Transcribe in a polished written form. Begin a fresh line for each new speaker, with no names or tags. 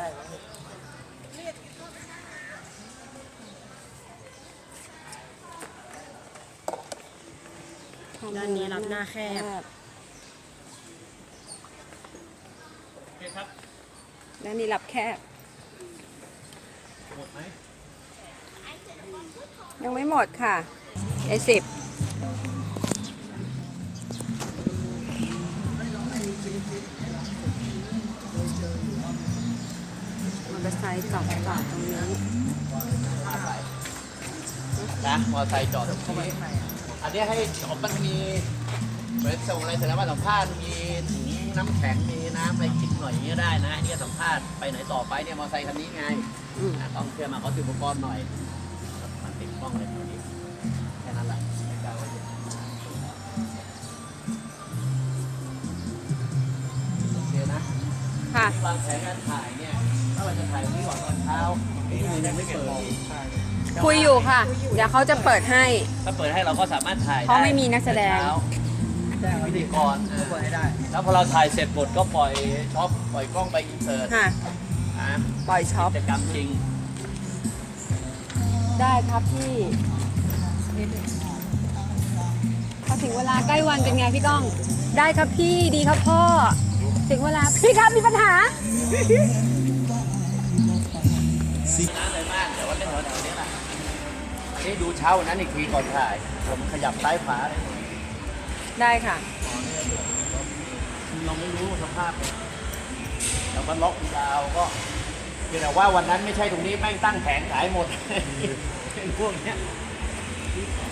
ได้ไหม
ด้านนี้รับหน้าแคบ
โอเคครับ
ด้านนี้รับแคบ
หมดไหม
ยังไม่หมดค่ะA10มอเตอร์ไซค์จอดตรงนี้
นะมอเตอร์ไซค์จอดตรงนี้อันนี้ให้จอดมันมีเหมือนส่งอะไรเสร็จแล้วมาสัมภาษณ์มีถุงน้ำแข็งมีน้ำอะไรกินหน่อยอย่างเงี้ยได้นะอันนี้สัมภาษณ์ไปไหนต่อไปเนี่ยมอเตอร์ไซค์คันนี้ไงต้องเชื่อมาเขาติดอุปกรณ์หน่อยมันติดกล้องเลยตัวนี้แค่นั้นแหละไม่กล้าว่าเยอะโอเคนะ
ค่ะ
วางแผนการถ่ายเนี่ยถ้าเราจะถ่ายวันนี้ก่อนตอนเช้านี่ยังไม่เปิด
คุยอยู่ค่ะ เดี๋ยวเขาจะเปิดให้
ถ้าเปิดให้เราก็สามารถถ่าย
เพราะไม่มีนักแสดง
เช้าพิธีกร
เปิดให้ได้
แล้วพอเราถ่ายเสร็จหมดก็ปล่อยช็อปปล่อยกล้องไปอินเสิร์ต
ค่ะ
นะ
ปล่อยช็อป
กิจกรรมจริง
ได้ครับพี่พอถึงเวลาใกล้วันเป็นไงพี่ก้อง ได้ครับพี่ดีครับพ่อ ถึงเวลาพี่ครับมีปัญหา
น้ำเลยมากแต่ว่าเล่นแถวๆนี้แหละอันนี้ดูเช้าวันนั้นอีกทีก่อนถ่ายผมขยับซ้ายขวาอะไรหน่อย
ได้ค่ะ
เราไม่รู้สภาพเราก็ล็อกยาวก็เพียงแต่ว่าวันนั้นไม่ใช่ตรงนี้แม่งตั้งแผงขายหมด เป็นพวกเนี้ย